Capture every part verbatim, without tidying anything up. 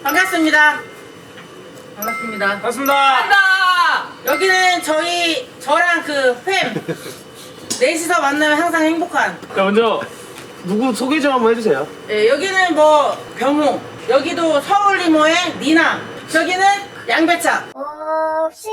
반갑습니다. 반갑습니다. 반갑습니다. 반갑습니다. 여기는 저희 저랑 그 팸 넷이서 만나면 항상 행복한. 자, 먼저 누구 소개 좀 한번 해주세요. 예, 여기는 뭐 병호, 여기도 서울 리모의 니나, 저기는 양배차. 없이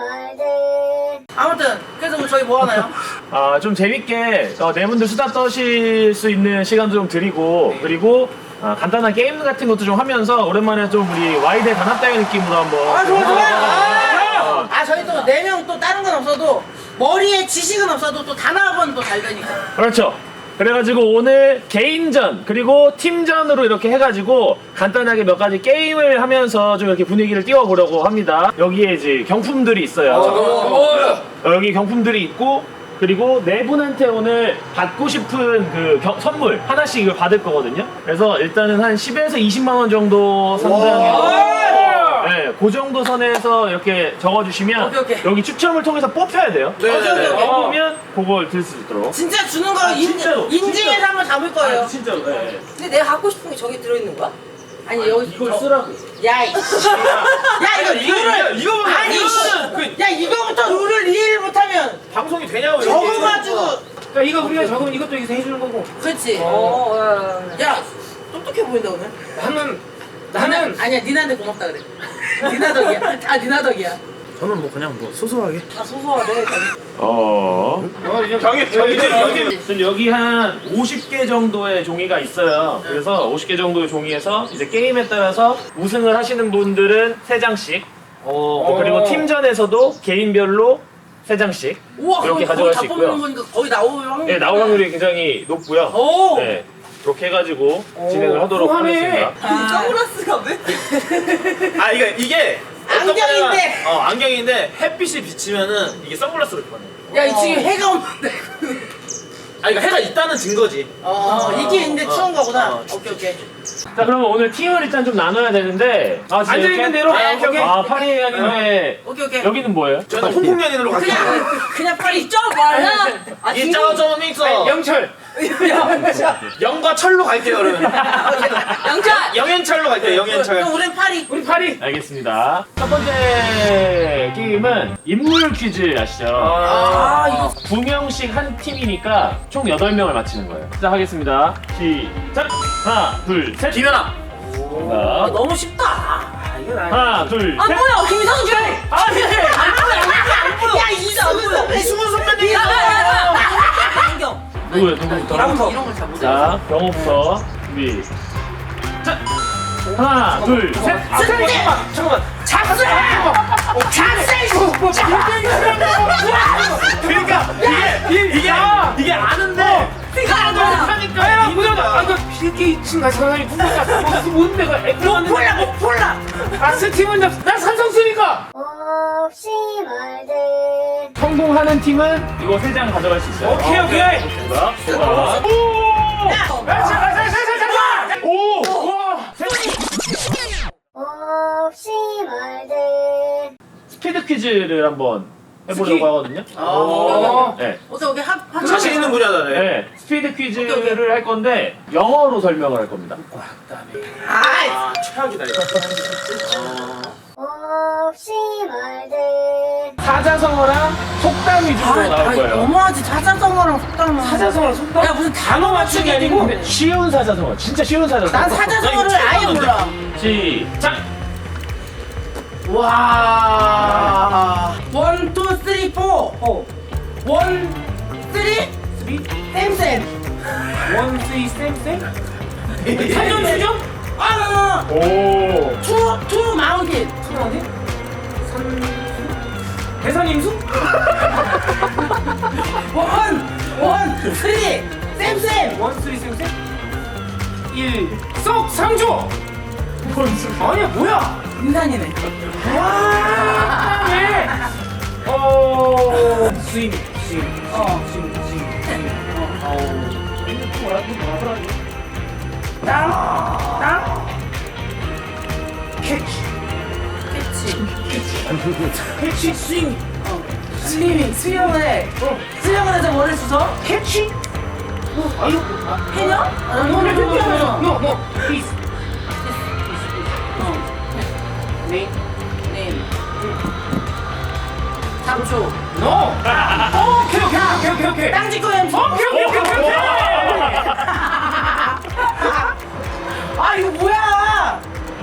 말들 아무튼 그래서 뭐 저희 뭐 하나요? 아, 좀 재밌게 어, 네 분들 수다 떠실 수 있는 시간도 좀 드리고 그리고 아, 간단한 게임 같은 것도 좀 하면서 오랜만에 좀 우리 와이드 단합대회 느낌으로 한번 아 좋아 좋아. 어. 아, 아 저희 또 네 명 또 다른 건 없어도 머리에 지식은 없어도 또 단합은 또 잘 되니까. 그렇죠. 그래가지고 오늘 개인전 그리고 팀전으로 이렇게 해가지고 간단하게 몇 가지 게임을 하면서 좀 이렇게 분위기를 띄워보려고 합니다. 여기에 이제 경품들이 있어요. 어, 여기 경품들이 있고 그리고 네 분한테 오늘 받고 싶은 그 겨- 선물 하나씩 이걸 받을 거거든요. 그래서 일단은 한 십에서 이십만 원 정도 상당의 네, 그 정도 선에서 이렇게 적어주시면 오케이, 오케이. 여기 추첨을 통해서 뽑혀야 돼요. 오케이, 오케이, 오케이. 뽑으면 그걸 들 수 있도록. 진짜 주는 거 아, 인, 진짜로, 인증해서 진짜로. 한번 잡을 거예요. 아, 진짜로. 네. 근데 내가 갖고 싶은 게 저기 들어있는 거야? 아니 여기 이걸 저- 쓰라고. 야, 이- 야 이거 룰을 이거 보면 아니 이거는 씨. 야 이거부터 룰을 이해를 못하면 방송이 되냐고 적어가지고. 그러니까 이거 우리가 적으면 이것도 여기서 해주는 거고 그렇지. 어, 어, 야 똑똑해 보인다 오늘. 나는 나는 나는 아니야 니나한테 고맙다 그래. 니나 덕이야. 다 니나 덕이야. 저는 뭐 그냥 뭐 소소하게 아 소소하네. 어. 정해 정해 지금 여기 한 오십 개 정도의 종이가 있어요. 그래서 오십 개 정도의 종이에서 이제 게임에 따라서 우승을 하시는 분들은 세 장씩. 어, 그리고 팀전에서도 개인별로 세 장씩 우와 이렇게 거의 가져갈 다 수 뽑는 있고요. 거니까 거의 나올 확률이. 네, 나올 확률이 굉장히 높고요. 오. 네, 그렇게 해가지고 진행을 하도록 후하네. 하겠습니다. 아, 선글라스가 왜? 아 이게 이게 어떤 안경인데. 거냐면, 어 안경인데 햇빛이 비치면은 이게 선글라스로 변해. 야 이 지금 해가 없는데. 아 이거 해가 있다는 증거지. 어 이게 있는데 어, 추운 거구나. 어, 오케이 오케이. 자, 그러면 오늘 팀을 일단 좀 나눠야 되는데 아, 진짜 앉아있는 이렇게? 대로. 아, 오케이, 오케이. 아, 파리 양인데 오케이 오케이. 여기는 뭐예요? 저는 홍콩연인으로 갈게요. 그냥 그냥 빨리 좀 말라. 아, 이 짜오점 믹서 영철. 영과 철로 갈게요 그러면. 영철. 영현철로 갈게요 영현철. 그럼 우린 파리. 우리 파리. 알겠습니다. 첫 번째 게임은 인물 퀴즈 아시죠? 아 이거 두 명씩 한 팀이니까 총 여덟 명을 맞히는 거예요. 자, 하겠습니다. 시작! 하나, 둘, 셋! 김연아. 정답. 너무 쉽다. 아 이건 아니. 하나, 둘, 아 셋! 뭐야 김성준. 아 그래. 야 이수근. 이수근 선배님. 야야야. 안경. 누구예요? 누구부터? 이런 거 이런 걸잘 못해. 자, 병호부터 준비. 자! 하나, 둘, 셋! 아, 승재. 잠깐만 잠깐만. 잡세. 잡세. 그러니까 이게 이게 이게 아는데. 내가 알아. 하니까 이거다. 아, 이거 빌게 이층 가서 사람이 누군가 무슨 뭔 내가 못 폴라 못 폴라. 아스 팀은 나, 나 삼성수니까 없이 말들 성공하는 팀은 이거 세 장 가져갈 수 있어요. 오케이, 오케이. 좋습니다. 자, 오! 와! 없이 말들 스피드 퀴즈를 한번 해보려고 스키? 하거든요. 어. 네. 오케이 오케이 합 합. 자신 있는 분야다. 네. 네, 스피드 퀴즈를 오케이, 오케이. 할 건데 영어로 설명을 할 겁니다. 아 아 최악이다 이거. 없이 말들 사자성어랑 속담 위주로 나올 거예요. 너무하지 사자성어랑 속담은. 사자성어랑 속담 야 무슨 단어 맞추기 아니고. 근데 쉬운 사자성어, 진짜 쉬운 사자성어. 난 사자성어를 아예 몰라. 시작! 와. 원, 투, 쓰리, 포. 원, 쓰리, 쓰리 쌤쌤. 원 쓰리 쌤쌤 사전 수정? 아, 오! 투, 투 마운틴. 투라네 산 대산임수 원, 원, 쓰리, 쌤쌤. 원 쓰리 쌤쌤 일썩 상조 아니야 뭐야 인산이네. 와 네. 어 스윙 스윙 어. 스윙 스윙 스윙 어 뭐라 뭐라 땅, 땅, 캐치 캐치. 캐치 스윙 스위밍, 수영을 해. 수영을 해서 뭐를 주워? 캐치 아유 해녀? 아, 너는 그렇게 하면서. 노노 플리즈 어. 네임. 네임. 삼 초. 노. 오케이 오케이 오케이 오케이 오케이. 땅 짓고 햄. 오케이 오케이 오케이 오케이. 아 이거 뭐야?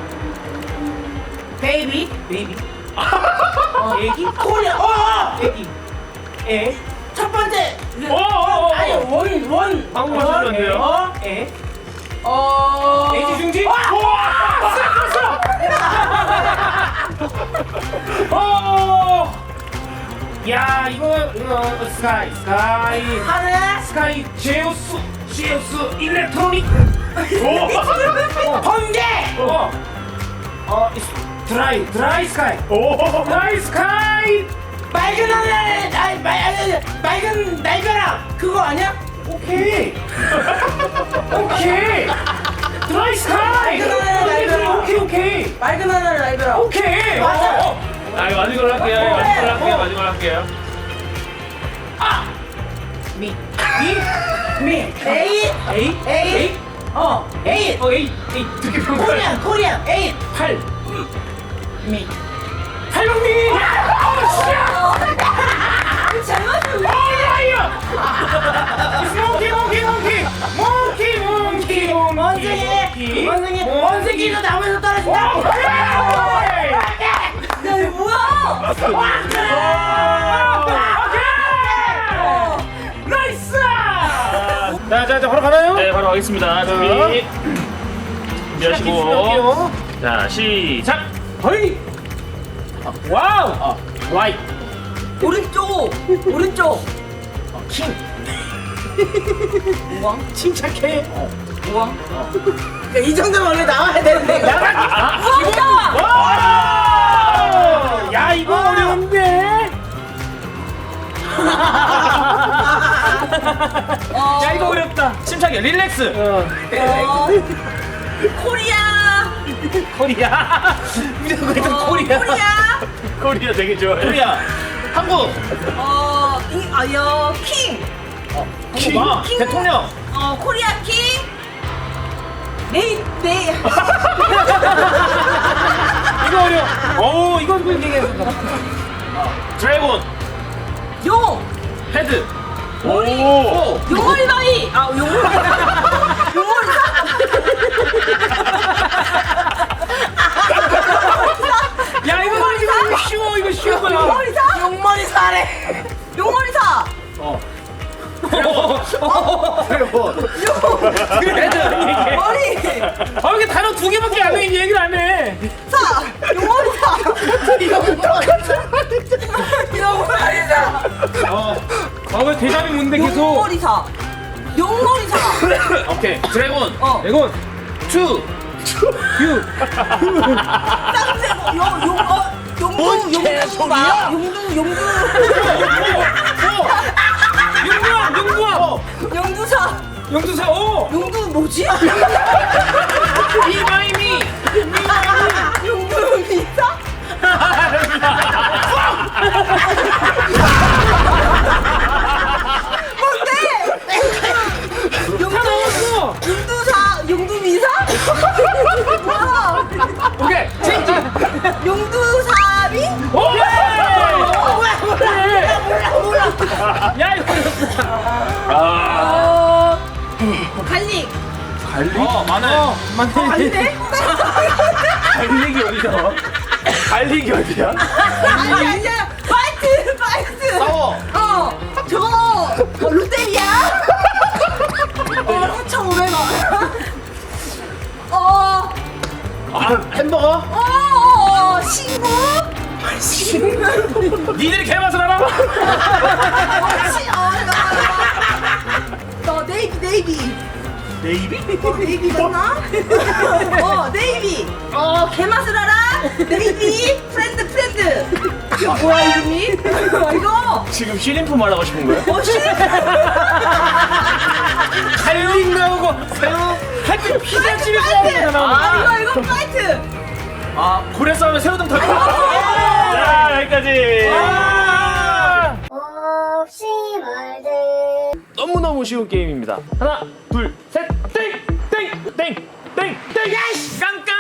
베이비. 베이비. 어, 애기. 코리아. 어. 어. 애기. 애. 첫 번째. 어, 어, 어. 아니 원 원. 방금 하셨는데요? 어. 애. 어. 애지 중지. 오! 야 이거 이거 스카이 스카이 하늘. 스카이 제우스 제우스 일렉트로닉 오! 번개. 어, 어 이스- 드라이 드라이 스카이 오! 드라이 스카이 맑은 하늘. 아니 말 아니 맑은 날벼락. 그거 아니야? 오케이 오케이 드라이 스카이 맑은 하늘 날벼락. 오케이 오케이 맑은 하늘 날벼락. 오케이 맞아. 어, 어. 아, 이거 마지막으로 할게요. 이거 마지막으로 할게요. 마지막으로 할게요. 미 미 미. 에잇. 에이 에잇. 어. 에잇. 어 에이 에이 되게 평소해 코리안 코리안. 에잇. 팔 미. 팔방미 잘 맞춰. 오라이어 몽키 몽키 몽키 몽키 몽키 원숭이. 원숭이. 원숭이도 나무에서 떨어진다. 야 이거 뭐야? 나이스! 자, 자, 자, 바로 가나요? 네, 바로 가겠습니다. 준비. 준비하시고. 자, 시작! 허이! 와우! 어, 라이 오른쪽. 오른쪽. 킹! 우왕. 침착해! 우왕. 이 정도면 원래 나와야 되는데. 우왕이다. 와! 야, 이거 어려운데? 어, 야, 이거 어렵다! 침착해 릴렉스. 어, 어, 코리아. 코리아! 무조건 일단 어, 코리아! 코리아. 코리아 되게 좋아해. 코리아. 한국. 어, 이, 아, 여, 킹. 킹. 아, 킹. 대통령. 어, 코리아 킹. 네이, 네이. 이거 어려워! 오, 이거 이거 얘기했어. 드래곤. 용. 헤드. 머리. 오. 용머리 바위. 아, 용머리. 용머리 야, 이거 이거 쉬워, 이거 쉬운 거야! 용머리 사. 용머리 사래. 용머리 사. 드래곤. 헤드! 머리 아, 이게 단어 두 개밖에 안 해, 얘기를 안 해! 사. 용머리 사. 용머리 사. 어. 아, 왜 대답이 뭔데 계속? 용머리 사. 용머리 사. 오케이. 드래곤. 어. 이건 투. 유! 쌍세고 용, 용, 어, 용두, 용두 마. 용두, 용두. 용구왕! 용구왕! 용두사. 용두사 오! 용두 뭐지? 이마이미! 용두 미사? 뭔데? 용두, 나왔어! 용두사, 용두 미사? 뭐야? 오케이! 체인지! 용두사비? 오케이! 뭐야 몰라 몰라 몰라 몰라. 야, 이거 어렵다! 어, 갈릭. 어, 마늘. 어, 맞네. 아닌데? 갈릭이 어디야? 갈릭이 어디야? 아니, 아니야. 파이트, 파이트. 싸워. 어, 저거 어, 롯데리아? 어, 사천오백 원. 어, 아, 햄버거. 어, 어, 신구? 니들이 개맛을 알아? 어, 시, 어, 너, 너 네이비, 네이비. 네이비? 어, 네이비 맞나? 어, 네이비. 어, 개맛을 알아? 네이비, 프렌드, 프렌드. 이거 뭐야, 이름이? 이거. 지금 쉬림프 말하고 싶은 거야? 어, 시. 갈릭 나오고 새우 하여튼 피자집에서 파이트. 나오는 거 아, 나오는 이거, 이거 파이트. 아, 고래 싸움에 새우등 털. 자, 여기까지. 아! 없이 말들 너무너무 쉬운 게임입니다. 하나, 둘, 셋, 땡! 땡! 땡! 땡! 땡! 야이씨! 깡깡!